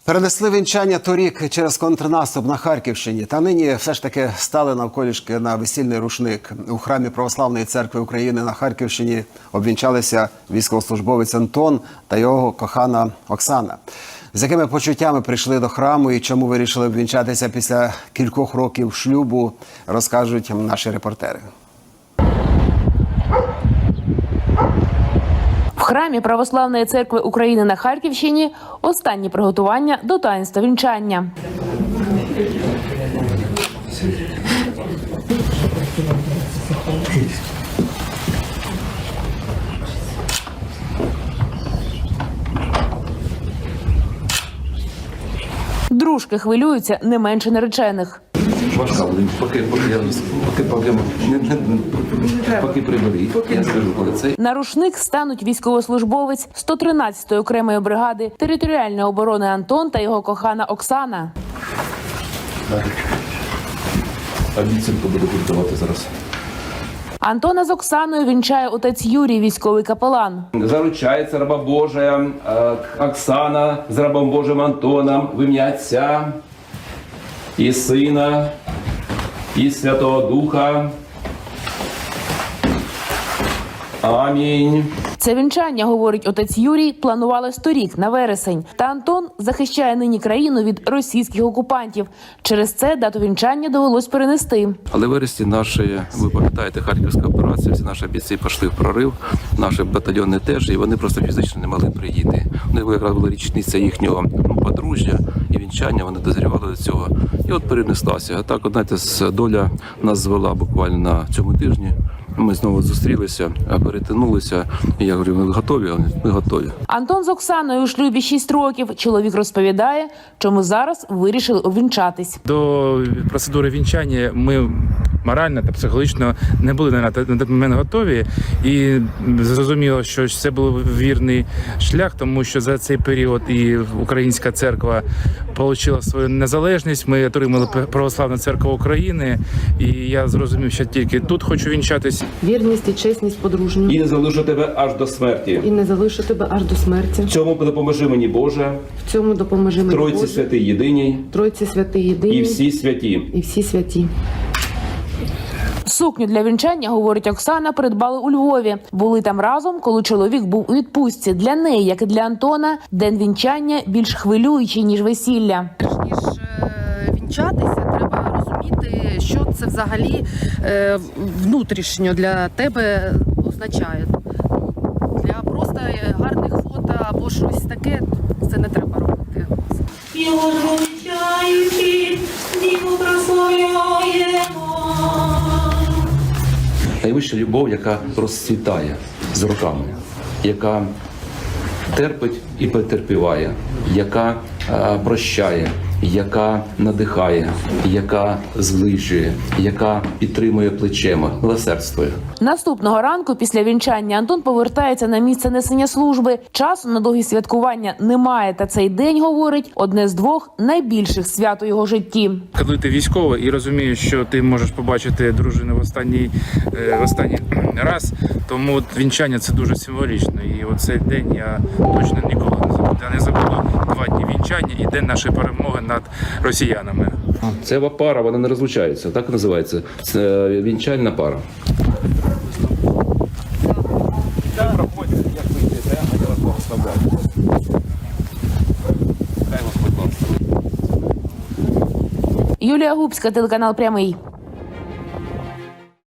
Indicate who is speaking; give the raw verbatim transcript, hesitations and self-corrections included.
Speaker 1: Перенесли вінчання торік через контрнаступ на Харківщині. Та нині все ж таки стали навколішки на весільний рушник. У храмі Православної церкви України на Харківщині обвінчалися військовослужбовець Антон та його кохана Оксана. З якими почуттями прийшли до храму і чому вирішили обвінчатися після кількох років шлюбу, розкажуть наші репортери.
Speaker 2: В храмі Православної церкви України на Харківщині останні приготування до таїнства вінчання. Дружки хвилюються не менше наречених.
Speaker 3: Важка буде, поки, поки, я, поки, поки, не, не, поки приберіть, я скажу, коли це.
Speaker 2: На рушник стануть військовослужбовець сто тринадцятої окремої бригади територіальної оборони Антон та його кохана Оксана.
Speaker 3: Обіцянку буду культувати зараз.
Speaker 2: Антона з Оксаною вінчає отець Юрій, військовий капелан.
Speaker 3: Заручається раба Божия Оксана з рабом Божим Антоном в ім'я Отця і Сина, і Святого Духа. Амінь.
Speaker 2: Це вінчання, говорить отець Юрій, планувалось торік, на вересень. Та Антон захищає нині країну від російських окупантів. Через це дату вінчання довелось перенести.
Speaker 3: Але в вересні наші, ви пам'ятаєте, Харківська операція, всі наші бійці пішли в прорив, наші батальйони теж, і вони просто фізично не могли приїти. У них якраз була річниця їхнього подружжя і вінчання, вони дозрівали до цього. І от перенеслася. А так, от, знаєте, доля нас звела буквально на цьому тижні. Ми знову зустрілися, перетинулися. І я говорю, ми готові? Ми готові.
Speaker 2: Антон з Оксаною у шлюбі шість років. Чоловік розповідає, чому зараз вирішили обвінчатись.
Speaker 4: До процедури вінчання ми морально та психологічно не були на той момент готові. І зрозуміло, що це був вірний шлях, тому що за цей період і Українська церква отримала свою незалежність. Ми отримали Православну церкву України. І я зрозумів, що тільки тут хочу вінчатись.
Speaker 5: Вірність і чесність подружню.
Speaker 3: І не залишу тебе аж до смерті.
Speaker 5: І не залишу тебе аж до смерті.
Speaker 3: В цьому допоможи мені, Боже.
Speaker 5: В цьому допоможи мені,
Speaker 3: Тройці
Speaker 5: Боже.
Speaker 3: святий єдиній.
Speaker 5: Тройці святий єдиний.
Speaker 3: І всі святі.
Speaker 5: І всі святі.
Speaker 2: Сукню для вінчання, говорить Оксана, придбали у Львові. Були там разом, коли чоловік був у відпустці. Для неї, як і для Антона, день вінчання більш хвилюючий, ніж весілля.
Speaker 6: Перш ніж е, вінчатися, треба розуміти, що це взагалі е, внутрішньо для тебе означає. Для просто гарних фото або щось таке це не треба робити.
Speaker 7: Його звучаючи, Діву прославляємо.
Speaker 3: Найвища любов, яка розцвітає з роками, яка терпить і потерпіває, яка е, прощає, яка надихає, яка зближує, яка підтримує плечем, милосердствує.
Speaker 2: Наступного ранку після вінчання Антон повертається на місце несення служби. Часу на довгі святкування немає, та цей день, говорить, одне з двох найбільших свят у його житті.
Speaker 4: Коли ти військовий і розумієш, що ти можеш побачити дружину в останній, в останній раз, тому вінчання – це дуже символічно. І оцей день я точно ніколи не забуду. Я не забуду два дні вінчання і день нашої перемоги над росіянами.
Speaker 3: Це пара, вона не розлучається, так називається. Це вінчальна пара.
Speaker 2: Юлія Губська, телеканал «Прямий».